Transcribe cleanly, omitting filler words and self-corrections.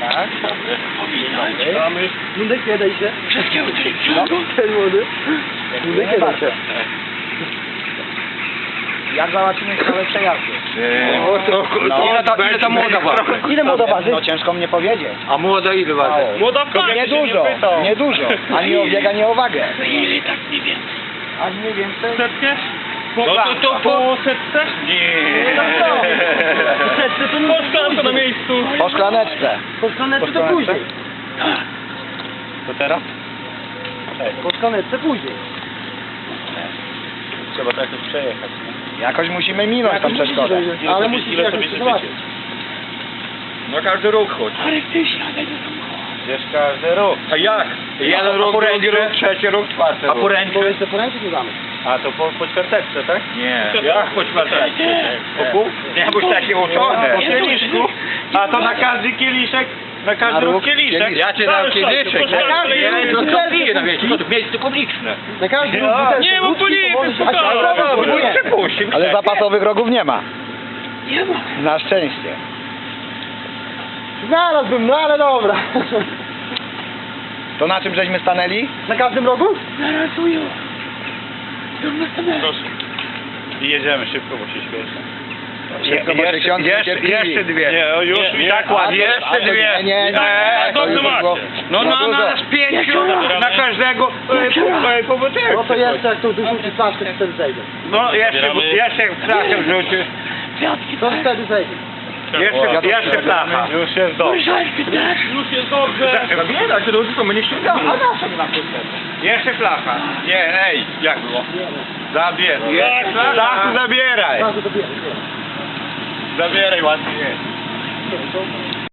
Tak. Mamy. Mundek nie daj się. Wszystkiego No, ten młody. Mundek nie daj się. Jak załatwimy sprawę przejazdu? Ile ta młoda waży? Ile młoda waży? No ciężko mnie powiedzieć. A młoda ile waży? Młoda pani Niedużo, niedużo. Ani o bieg, ani o wagę. Ile tak nie wiem. A mniej więcej? Setkę? No to Po setce? Nie. Setce to nie Po szklankę na miejscu. Po szklaneczce. Po szklaneczce to później. To teraz? Po szklaneczce później. Trzeba to jakoś przejechać. Jakoś musimy minąć tą przeszkodę. Ale musisz jakoś to załatwić. No każdy ruch chodź. Ale ty siadaj do samochodu. Wiesz, każdy ruch. A jak? Jeden ruch, drugi ruch, trzeci ruch, czwarty ruch. A poręczy? Bo jeszcze poręczy nie damy. A to po ćwiarteczce, tak? Nie. Jak po ćwiarteczce? Po pół? Nie, boś takie uczone. Po kieliszku. A to na każdy kieliszek? Na każdy ruch kieliszek? Ja cię dam kieliszek. Na każdy Ja ruch to co piję na wiecie, to miejsce publiczne. Na każdy No, ruch nie, bo policja, Przepuści. Ale zapasowych rogów nie ma. Nie ma. Na szczęście. Znalazłbym, no ale dobra. To na czym żeśmy stanęli? Na każdym rogu? Narasują. Do następnego. Proszę. I jedziemy szybko, bo się śpieszy. Szybko, bo się ksiądz niecierpliwi. Jeszcze dwie. Nie, już i tak ładnie. Jeszcze dwie. Nie. to to już już było- No za na dużo. nas pięciu, na każdego po butelce. No to jeszcze jak to wyrzuci flaszkę, to wtedy zejdzie. No jeszcze flaszkę wrzucisz. Kwiatki, To tak? wtedy zejdzie. Jeszcze flacha. Już jest dobrze. Ryżalki, tak? Już jest dobrze. Zabieraj, to tylko my nie ściągamy. A na co na Jeszcze flacha. Nie, ej, jak było? Zabieraj. Jeszcze flacha. Zabieraj. Bardzo to bierze. Zabieraj, ładnie jest. Nie, to